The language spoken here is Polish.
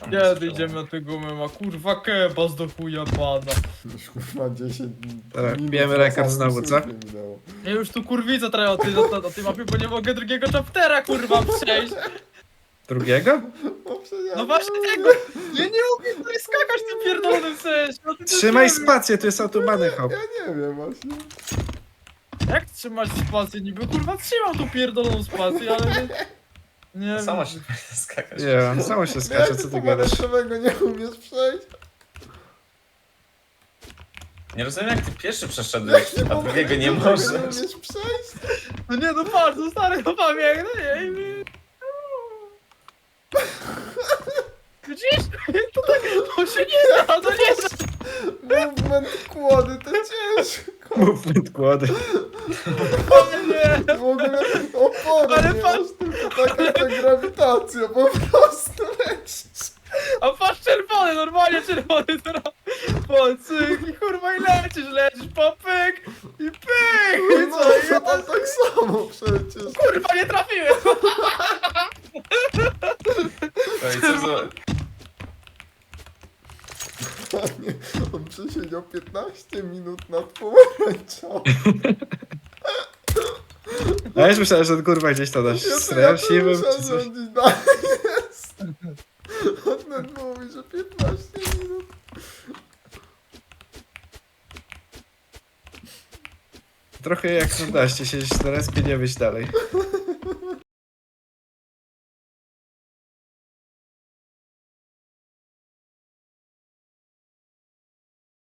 Kiedy idziemy na tego mema? Kurwa kebas do chuja pana. Już kurwa 10 Tak, minut bijemy na rekord samym znowu, co? słupie minęło. Ja już tu kurwica trochę o tej mapie, bo nie mogę drugiego chaptera kurwa przejść. Drugiego? No, przecież ja No nie właśnie umiem. tego! Ja nie umiem tutaj skakać tym pierdolonym sensie. No ty to Trzymaj nie wiem. spację, tu jest autobany hop. Ja nie wiem właśnie. Jak trzymać spację niby? Kurwa trzymam tą pierdoloną spację, ale nie... Nie Sama wiem. się będzie skakać. Nie, samo się skacze, Jak co ty ty gadasz? pomarańczowego nie umiesz przejść? Nie rozumiem jak ty pierwszy przeszedłeś, a drugiego nie możesz. Nie umiesz przejść? No nie, no patrz, no stary, no pamiętam, no nie wiem. Widzisz? To tak, to się nie da, to nie da. Movement kłody to ciężko. Movement kłody. Ale nie. W ogóle opory Ale nie patrz- masz, tylko taka ta grawitacja, po prostu lecisz. A patrz czerwony, normalnie czerwony teraz. Pocyk i kurwa i lecisz, popyk i pyk. I No, co? I to tam tak samo przecież. kurwa nie trafiłem. No i co za... Panie, on przesiedział 15 minut nad pomarańczą. A ja już myślałem, że on kurwa gdzieś tam na Ja straszliwym muszę czy coś. rządzić dalej jest. On nawet mówi, że 15 minut. Trochę jak na daście, siedzieć na respie, nie wyjść dalej.